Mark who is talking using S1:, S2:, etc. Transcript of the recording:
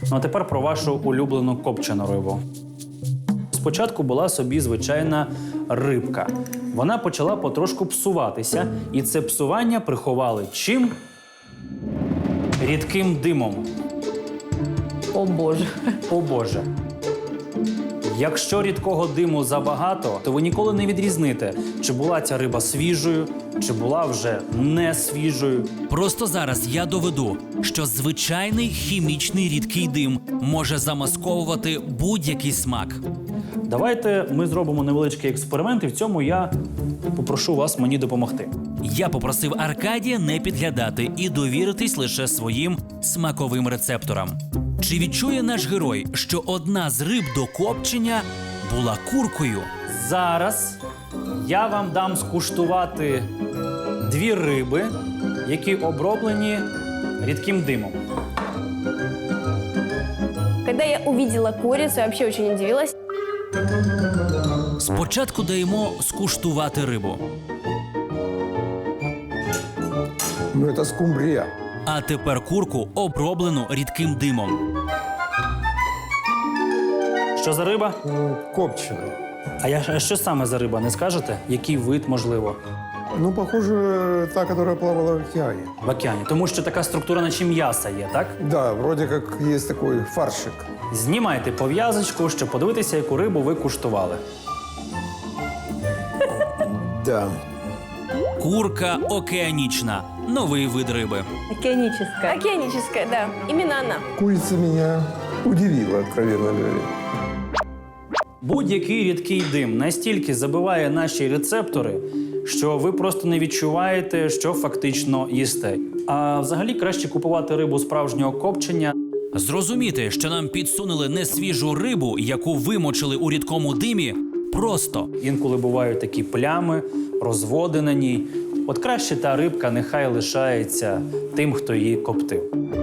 S1: Ну а тепер про вашу улюблену копчену рибу. Спочатку була собі звичайна рибка. Вона почала потрошку псуватися, і це псування приховали чим? Рідким димом.
S2: О боже.
S1: О Боже. Якщо рідкого диму забагато, то ви ніколи не відрізните, чи була ця риба свіжою, чи була вже не свіжою.
S3: Просто зараз я доведу, що звичайний хімічний рідкий дим може замасковувати будь-який смак.
S1: Давайте ми зробимо невеличкий експеримент, і в цьому я попрошу вас мені допомогти.
S3: Я попросив Аркадія не підглядати і довіритись лише своїм смаковим рецепторам. Чи відчує наш герой, що одна з риб до копчення була куркою?
S1: Зараз я вам дам скуштувати 2 риби, які оброблені рідким димом.
S2: Когда я увидела курицу, я вообще очень удивилась.
S3: Спочатку даємо скуштувати рибу.
S4: Ну, это скумбрия.
S3: А тепер курку, оброблену рідким димом.
S1: Що за риба?
S4: Копченая.
S1: А що саме за риба, не скажете? Який вид, можливо,
S4: Ну, похоже, та, которая плавала в океане.
S1: в океані? Тому що така структура, наче м'яса є, так?
S4: Да, вроде как есть такой фаршик.
S1: Знімайте пов'язочку, щоб подивитися, яку рибу ви куштували.
S4: Да.
S3: Курка океанічна. Новий вид риби.
S2: Океаническая. Океаническая, да. Именно она.
S4: Курица меня удивила, откровенно говоря.
S1: Будь-який рідкий дим настільки забиває наші рецептори, що ви просто не відчуваєте, що фактично їсте. А взагалі краще купувати рибу справжнього копчення.
S3: Зрозуміти, що нам підсунули несвіжу рибу, яку вимочили у рідкому димі, просто.
S1: Інколи бувають такі плями, розводи на ній. От краще та рибка нехай лишається тим, хто її коптив.